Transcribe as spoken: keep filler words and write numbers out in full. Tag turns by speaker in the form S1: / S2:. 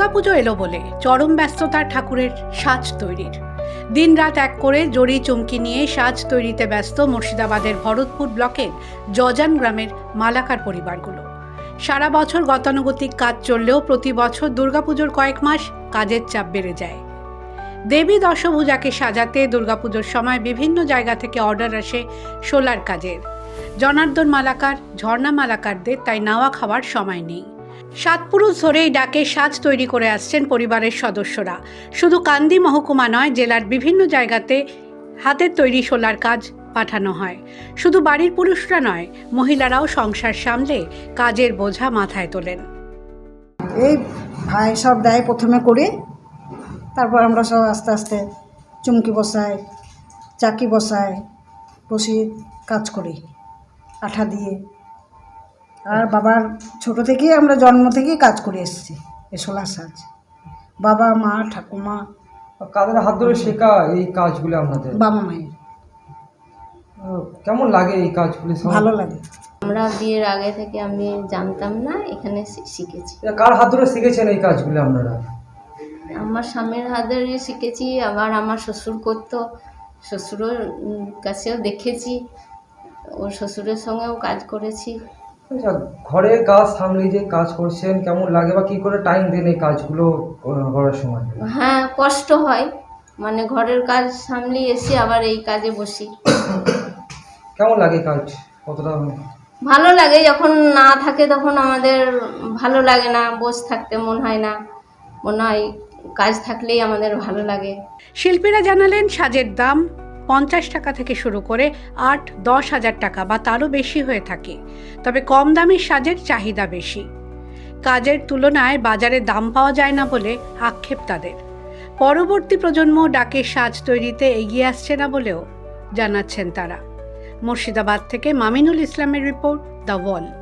S1: দুর্গাপুজো এলো বলে চরম ব্যস্ততার ঠাকুরের সাজ তৈরির। দিনরাত এক করে জড়ি চুমকি নিয়ে সাজ তৈরিতে ব্যস্ত মুর্শিদাবাদের ভরতপুর ব্লকের জজান গ্রামের মালাকার পরিবারগুলো। সারা বছর গতানুগতিক কাজ চললেও প্রতি বছর দুর্গাপুজোর কয়েক মাস কাজের চাপ বেড়ে যায়। দেবী দশভূজাকে সাজাতে দুর্গাপুজোর সময় বিভিন্ন জায়গা থেকে অর্ডার আসে সোলার কাজের। জনার্দন মালাকার, ঝর্ণা মালাকারদের তাই নাওয়া খাওয়ার সময় নেই। সাত পুরুষ ধরেই ডাকে সাজ তৈরি করে আসছেন পরিবারের সদস্যরা। শুধু কান্দি মহকুমা নয়, জেলার বিভিন্ন জায়গাতে হাতের তৈরি সোলার কাজ পাঠানো হয়। শুধু বাড়ির পুরুষরা নয়, মহিলারাও সংসার সামলে কাজের বোঝা মাথায় তোলেন।
S2: এই ভাই সব দেয়, প্রথমে করি, তারপর আমরা সব আস্তে আস্তে চুমকি বসাই, চাকি বসাই, বসি কাজ করি আঠা দিয়ে। আর বাবার ছোট থেকেই আমরা জন্ম থেকেই কাজ করে এসেছি এই সোলার সাজ। বাবা, মা, ঠাকুমা।
S3: কাদের হাত ধরে শেখা এই কাজগুলো আপনাদের?
S2: বাবা মায়ের।
S3: কেমন লাগে এই কাজগুলি?
S2: ভালো লাগে।
S4: আমরা বিয়ের আগে থেকে আমি জানতাম না, এখানে শিখেছি।
S3: কার হাত ধরে শিখেছেন এই কাজগুলো আপনারা?
S4: আমার স্বামীর হাত ধরে শিখেছি, আবার আমার শ্বশুর করতো, শ্বশুরের কাছেও দেখেছি, ওর শ্বশুরের সঙ্গেও কাজ করেছি।
S3: আচ্ছা, ঘরের কাজ সামলে যে কাজ করছেন কেমন লাগে বা কী করে টাইম দেন এই কাজগুলো করার সময়?
S4: হ্যাঁ, কষ্ট হয়, মানে ঘরের কাজ সামলে এসে আবার এই কাজে বসি।
S3: কেমন লাগে কাজ? কতটা
S4: ভালো লাগে, যখন না থাকে তখন আমাদের ভালো লাগে না, বসে থাকতে মন হয় না, মনে হয় কাজ থাকলেই আমাদের ভালো লাগে।
S1: শিল্পীরা জানালেন, সাজের দাম পঞ্চাশ টাকা থেকে শুরু করে আট দশ হাজার টাকা বা তারও বেশি হয়ে থাকে। তবে কম দামের সাজের চাহিদা বেশি। কাজের তুলনায় বাজারে দাম পাওয়া যায় না বলে আক্ষেপ তাদের। পরবর্তী প্রজন্ম ডাকে সাজ তৈরিতে এগিয়ে আসছে না বলেও জানাচ্ছেন তারা। মুর্শিদাবাদ থেকে মামিনুল ইসলামের রিপোর্ট, দ্য ওয়াল।